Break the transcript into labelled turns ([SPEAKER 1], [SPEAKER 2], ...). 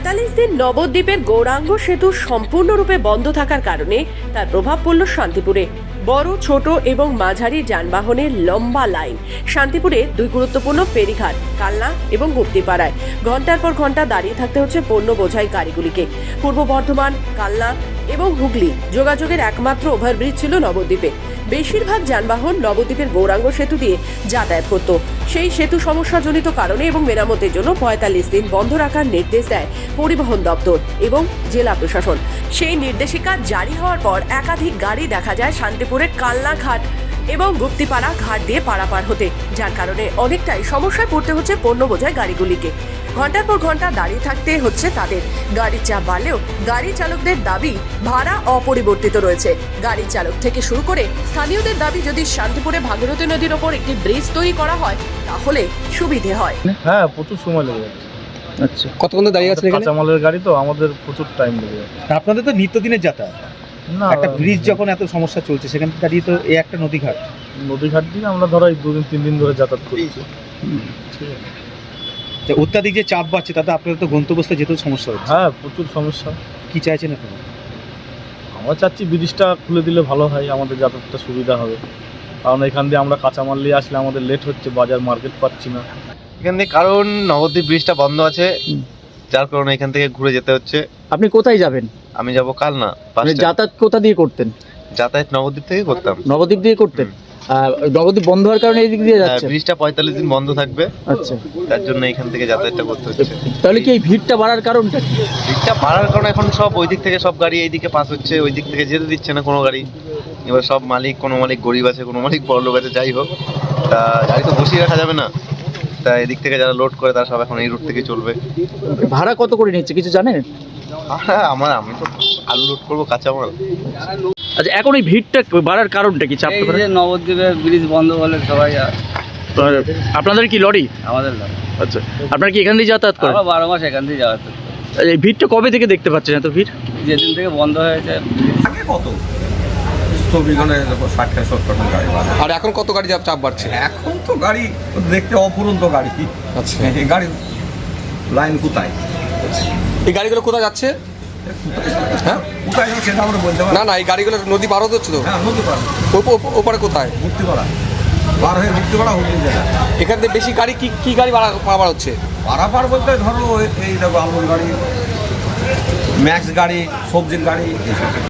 [SPEAKER 1] ৪৫ দিন নবদ্বীপের গৌরাঙ্গ সেতু সম্পূর্ণরূপে বন্ধ থাকার কারণে তার প্রভাব পড়ল শান্তিপুরে। বড় ছোট এবং মাঝারি যানবাহনের লম্বা লাইন। শান্তিপুরে দুই গুরুত্বপূর্ণ ফেরিঘাট কালনা এবং গুপ্তিপাড়ায় ঘন্টার পর ঘন্টা দাঁড়িয়ে থাকতে হচ্ছে পণ্য বোঝাই গাড়িগুলিকে। পূর্ব বর্ধমান, কালনা এবং হুগলি যোগাযোগের একমাত্র ওভারব্রিজ ছিল নবদ্বীপে। বেশিরভাগ যানবাহন নবদ্বীপের গৌরাঙ্গ সেতু দিয়ে যাতায়াত করত। সেই সেতু সমস্যাজনিত কারণে এবং মেরামতের জন্য ৪৫ দিন বন্ধ রাখার নির্দেশ দেয় পরিবহন দপ্তর এবং জেলা প্রশাসন। সেই নির্দেশিকা জারি হওয়ার পর একাধিক গাড়ি দেখা যায় শান্তিপুরের কালনা ঘাট এবং গুপ্তিপাড়া ঘাট দিয়ে পারাপার হতে, যার কারণে অনেকটাই সমস্যায় পড়তে হচ্ছে পণ্য বোঝাই গাড়িগুলিকে। ঘন্টার পর ঘন্টা দাঁড়িয়ে থাকতে হচ্ছে তাদের। গাড়ির চাপ বাড়লেও গাড়ি চালকদের দাবি ভাড়া অপরিবর্তিত রয়েছে। গাড়ি চালক থেকে শুরু করে স্থানীয়দের দাবি যদি শান্তিপুরে ভাগীরথী নদীর ওপর একটি ব্রিজ তৈরি করা হয় তাহলে সুবিধে হয়।
[SPEAKER 2] হ্যাঁ, প্রচুর সময় লেগে যাচ্ছে।
[SPEAKER 3] আচ্ছা, কতক্ষণ দাঁড়িয়ে আছে এখানে?
[SPEAKER 2] কাঁচামালের গাড়ি তো আমাদের প্রচুর টাইম লেগে যাচ্ছে।
[SPEAKER 3] আপনাদের তো নিত্যদিনের যাতায়াত,
[SPEAKER 2] না
[SPEAKER 3] একটা ব্রিজ যখন এত সমস্যা চলছে সেখানে দাঁড়িয়ে তো এই একটা নদীঘাট
[SPEAKER 2] নদীঘাট দিয়ে আমরা ধরো এই 2-3 দিন ধরে যাতায়াত করছি। ঠিক আছে।
[SPEAKER 3] অত্যাধিক যে চাপ বাড়ছে তাতে আপনাদের তো গন্তব্যস্থলে যেতেও সমস্যা হচ্ছে।
[SPEAKER 2] হ্যাঁ, প্রচুর সমস্যা।
[SPEAKER 3] কি চাইছেন আপনারা?
[SPEAKER 2] আমরা চাচ্ছি ব্রিজটা খুলে দিলে ভালো হয়, আমাদের যাতায়াতটা সুবিধা হবে। কারণ এখান দিয়ে আমরা কাঁচামাল নিয়ে আসলে আমাদের লেট হচ্ছে, বাজার মার্কেট পাচ্ছি না
[SPEAKER 4] এখান থেকে, কারণ নবদ্বীপ ব্রিজটা বন্ধ আছে, যার কারণে এখান থেকে ঘুরে যেতে হচ্ছে।
[SPEAKER 5] আপনি কোথায় যাবেন?
[SPEAKER 4] আমি যাব কালনা।
[SPEAKER 5] যাতায়াত কোথা দিয়ে করতেন?
[SPEAKER 4] যাতায়াত নবদ্বীপ থেকে করতাম।
[SPEAKER 5] নবদ্বীপ দিয়ে করতেন? নবদ্বীপ বন্ধ হওয়ার কারণে এই দিক দিয়ে যাচ্ছেন?
[SPEAKER 4] ব্রিজটা ৪৫ দিন বন্ধ থাকবে,
[SPEAKER 5] আচ্ছা,
[SPEAKER 4] তার জন্য এখান থেকে যাতায়াতটা করতে হচ্ছে।
[SPEAKER 5] তাহলে কি এই ভিড়টা বাড়ার কারণটা কি?
[SPEAKER 4] ভিড়টা বাড়ার কারণে এখন সব ওই দিক থেকে সব গাড়ি এইদিকে পাস হচ্ছে, ওই দিক থেকে যেতে দিচ্ছে না কোনো গাড়ি। এবার সব মালিক, কোনো মালিক গরিব আছে, কোনো মালিক বড় লোক আছে, যাই হোক, তা গাড়ি তো বসিয়ে রাখা যাবে না। তা এদিক থেকে যারা লোড করে তারা সব এখন এই রুট থেকে চলবে।
[SPEAKER 5] ভাড়া কত করে নিচ্ছে কিছু জানেন?
[SPEAKER 4] হ্যাঁ, আমি তো আলু লোড করবো, কাঁচামাল।
[SPEAKER 5] আচ্ছা, এখন এই ভিড়টা বাড়ার কারণটা কি? চাপ
[SPEAKER 6] যে নবদ্বীপে ব্রিজ বন্ধ হলে সবাই
[SPEAKER 5] আপনাদের কি লরি?
[SPEAKER 6] আমাদের লাগে।
[SPEAKER 5] আচ্ছা, আপনারা কি এখান দিয়ে যাতায়াত করেন?
[SPEAKER 6] আমরা 12 মাস এখান দিয়ে যাওয়া।
[SPEAKER 5] এই ভিড়টা কবে থেকে দেখতে পাচ্ছেন এত ভিড়?
[SPEAKER 6] যেদিন থেকে বন্ধ হয়েছে।
[SPEAKER 7] আগে কত 24 ঘন্টায় 60-70 গাড়ি বাড়ে।
[SPEAKER 8] আর এখন কত গাড়ি চাপ বাড়ছে?
[SPEAKER 7] এখন তো গাড়ি দেখতে অফুরন্ত গাড়ি।
[SPEAKER 8] আচ্ছা,
[SPEAKER 7] এই গাড়ি লাইন কোথায়?
[SPEAKER 8] এই গাড়িগুলো কোথায় যাচ্ছে? হ্যাঁ,
[SPEAKER 7] কোথায় যাবে সেটা আমরা বলতে পারি
[SPEAKER 8] না না, এই গাড়িগুলো নদী পার হতে হচ্ছে তো।
[SPEAKER 7] হ্যাঁ, নদী পার,
[SPEAKER 8] ওপারে কোথায়?
[SPEAKER 7] মুক্তিপাড়া পার হয়ে মুক্তিপাড়া হুগলি জেলা।
[SPEAKER 8] এখান থেকে বেশি গাড়ি কি গাড়ি পারাপার হচ্ছে?
[SPEAKER 7] পারাপার বলতে ধরো এই দেখো আলুর গাড়ি, ম্যাক্স গাড়ি, সবজির গাড়ি।